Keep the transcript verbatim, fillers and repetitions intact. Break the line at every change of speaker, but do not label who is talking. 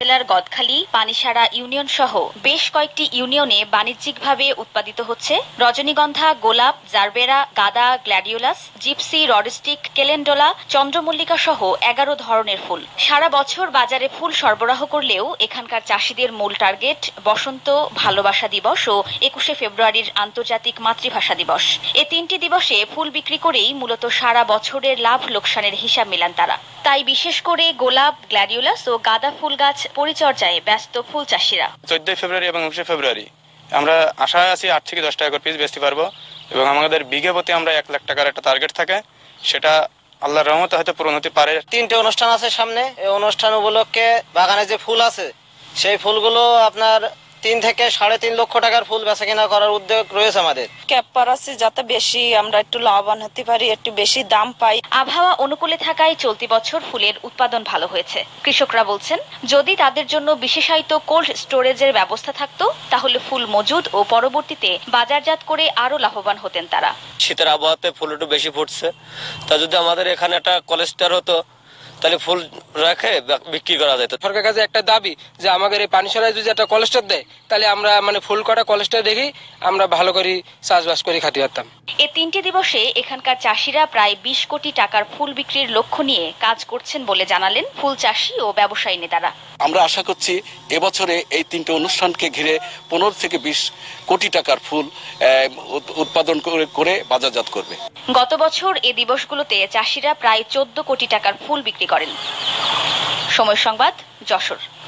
জেলার গদখালি, পানিসারা ইউনিয়ন সহ বেশ কয়েকটি ইউনিয়নে বাণিজ্যিকভাবে উৎপাদিত হচ্ছে রজনীগন্ধা, গোলাপ, জারবেরা, গাঁদা, গ্ল্যাডিওলাস, জিপসি, রডস্টিক, কেলেন্ডোলা, চন্দ্রমল্লিকা সহ এগারো ধরনের ফুল। সারা বছর বাজারে ফুল সরবরাহ করলেও এখানকার চাষিদের মূল টার্গেট বসন্ত, ভালোবাসা দিবস ও একুশে ফেব্রুয়ারির আন্তর্জাতিক মাতৃভাষা দিবস। এ তিনটি দিবসে ফুল বিক্রি করেই মূলত সারা বছরের লাভ লোকসানের হিসাব মেলান তারা। তাই বিশেষ করে গোলাপ, গ্ল্যাডিওলাস ও গাঁদা ফুল গাছ পরিচর্যায় ব্যস্ত ফুল চাষিরা।
চোদ্দই ফেব্রুয়ারি এবং একুশে ফেব্রুয়ারি আমরা আশায় আছি আট থেকে দশ টাকা করে পিস বেচতে পারবো এবং আমাদের বিঘে প্রতি আমরা এক লাখ টাকার একটা টার্গেট থাকে, সেটা আল্লাহর রহমতে হয়তো পূরণ হতে পারে।
তিনটে অনুষ্ঠান আছে সামনে। এই অনুষ্ঠান উপলক্ষে বাগানে যে ফুল আছে সেই ফুলগুলো আপনার তিন থেকে সাড়ে তিন লক্ষ টাকার ফুল বেচা কিনা করার উদ্যোগ রয়েছে আমাদের।
ক্যাপ পারাচ্ছি যাতে বেশি আমরা একটু লাভবান হতে পারি, একটু বেশি দাম পাই।
আবহাওয়া অনুকূলে থাকায় চলতি বছর ফুলের উৎপাদন ভালো হয়েছে। কৃষকরা বলছেন, যদি তাদের জন্য বিশেষায়িত কোল্ড স্টোরেজের ব্যবস্থা থাকতো তাহলে ফুল মজুদ ও পরবর্তীতে বাজারজাত করে আরো লাভবান হতেন তারা।
শীতের আবহাওয়াতে ফুল একটু বেশি ফুটছে, তা যদি আমাদের এখানে একটা কোল্ড স্টোর হতো তাহলে ফুল রেখে বিক্রি করা যেত।
সরকারের কাছে একটা দাবি যে আমাদের এই পানিসারায় যদি একটা কোল্ড স্টোর দেয় তাহলে আমরা মানে ফুল কটা কোল্ড স্টোর দেখি আমরা ভালো করে চাষবাস করে খাতে পারতাম।
এ তিনটি দিবসে এখানকার চাষিরা প্রায় বিশ কোটি টাকার ফুল বিক্রির লক্ষ্য নিয়ে কাজ করছেন বলে জানালেন ফুল চাষি ও ব্যবসায়ী নেতারা।
আমরা আশা করছি এবছরে এই তিনটে অনুষ্ঠানকে ঘিরে পনেরো থেকে বিশ কোটি টাকার ফুল উৎপাদন করে বাজারজাত করবে।
গত বছর এ দিবসগুলোতে চাষিরা প্রায় চোদ্দ কোটি টাকার ফুল বিক্রি করেন। সময় সংবাদ, যশোর।